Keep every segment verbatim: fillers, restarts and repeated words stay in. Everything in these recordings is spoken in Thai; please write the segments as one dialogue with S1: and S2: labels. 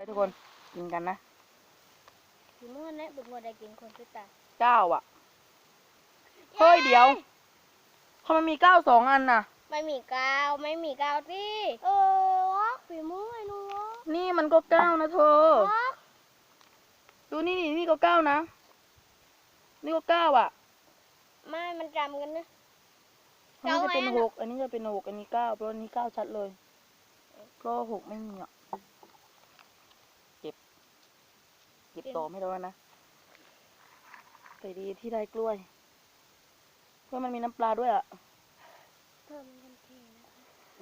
S1: ทุกคนกินกันนะ
S2: สีม่วงเนี่ยบุญวัวได้กินคนสุดตา
S1: เก้าอ่ะเฮ้ยเดี๋ยวทำไมมีเก้าสองอันน่ะ
S2: ไม่มีกาวไม่มีกาวที่เออวะฝีมือไอ้หนูวะ
S1: นี่มันก็เก้านะเธอดูนี่นี่นี่ก็เก้านะนี่ก็เก้าอ่ะ
S2: ไม่มันจำกันนะ
S1: อันนี้จะเป็นหกอันนี้จะเป็นหกอันนี้เก้าเพราะอันนี้เก้าชัดเลยเพราะหกไม่มีอ่ะเก็บเก็บต่อไม่ได้นะแต่ดีที่ได้กล้วยเพราะมันมีน้ำปลาด้วยอ่ะ
S2: เพิ่มกันทีนะคะ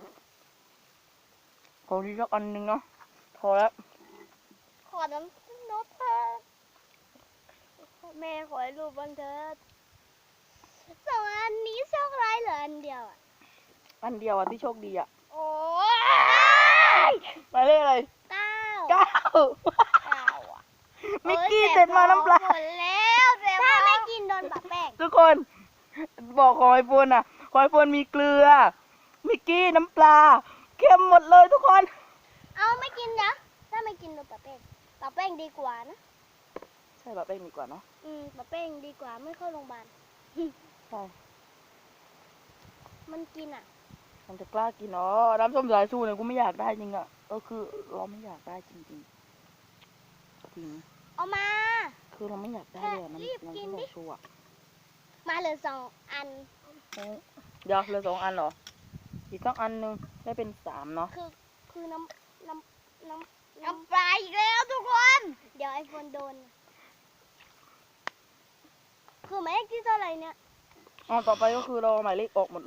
S1: ขอดีสักอันหนึ่งเนาะพอแล้ว
S2: ขอน้ำนกเพิ่มแม่ขอให้รูปบ้างเถิดสองอันนี้โชคร้ายเหลืออันเดียวอ่ะ
S1: อันเดียวอ่ะที่โชคดีอ่ะ
S2: โอ้
S1: ยหมายเลขอะไร
S2: เก้า
S1: เก้า
S2: เก้าอ่ะ
S1: มิกกี้เสร็จมาน้ำปลา
S2: หมดแล้วถ้าไม่กินโดนปะแป้ง
S1: ทุกคนบอกขอไอโฟนอ่ะขอไอโฟนมีเกลือมิกกี้น้ำปลาเค็มหมดเลยทุกคน
S2: เอาไม่กินนะถ้าไม่กินโดนปะแป้งปะแป้งดีกว่านะ
S1: ใช่แบบเป้งดีกว่าเนาะ
S2: อืมปะแป้งดีกว่าไม่เข้าโรงพยาบาล
S1: ใช่
S2: มันกินอ่ะ
S1: มันจะกล้ากินอ๋อน้ำส้มสายชูเนี่ยกูไม่อยากได้จริงอ่ะก็คือเราไม่อยากได้จริงจริงจริง
S2: เอามา
S1: คือเราไม่อยากได้เลยน้ำน้ำส้มสายชูอ่ะ
S2: มาเหลือสองอัน
S1: เดี๋ยวเหลือสองอันเหรออีกสักอันหนึ่งได้เป็นสามเนาะ
S2: คือคือน้ำน้ำน้ำน้ำปลาอีกแล้วทุกคนเดี๋ยวไอโฟนโดนคือหมายเลขที่เท่าไหร่เนี่ย
S1: อ๋อต่อไปก็คือเราหมายเลขออกหมด